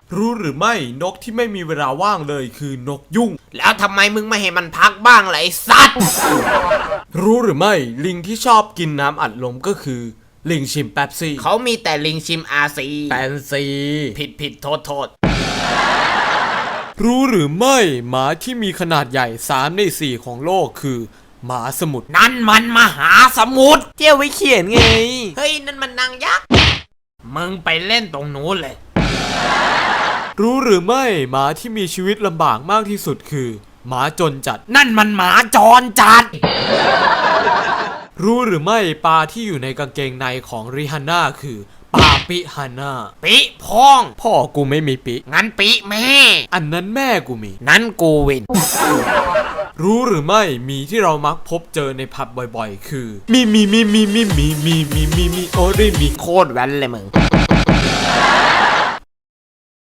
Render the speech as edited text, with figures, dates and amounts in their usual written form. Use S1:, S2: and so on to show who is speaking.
S1: รู้หรือไม่นกที่ไม่มีเวลาว่างเลยคือนกยุ่ง
S2: แล้วทำไมมึงไม่ให้มันพักบ้างล่ะไอ้สัตว์
S1: รู้หรือไม่ลิงที่ชอบกินน้ำอัดลมก็คือลิงชิมแป๊บซี่
S2: เขามีแต่ลิงชิมอาซี
S1: แปนซี
S2: ผิดโทษ
S1: รู้หรือไม่หมาที่มีขนาดใหญ่3 ใน 4ของโลกคือหมาสมุทร
S2: นั่นมันมหาสมุทร
S1: เที่ยวไว้เขียนไง
S2: เฮ้ยนั่นมันนางยักษ์มึงไปเล่นตรงนู้นเลย
S1: รู้หรือไม่หมาที่มีชีวิตลำบากมากที่สุดคือหมาจนจัด
S2: นั่นมันหมาจรจัด
S1: รู้หรือไม่ปลาที่อยู่ในกางเกงในของริฮันน่าคือปลาปิฮาน่า
S2: ปิพ้อง
S1: พ่อกูไม่มีปิ
S2: งั้นปิแม่
S1: อันนั้นแม่กูมี
S2: นั้นกูวิน
S1: รู้หรือไม่มีที่เรามักพบเจอในผับบ่อยๆคือมีโอริมี
S2: โคตรแว้นเลยมึง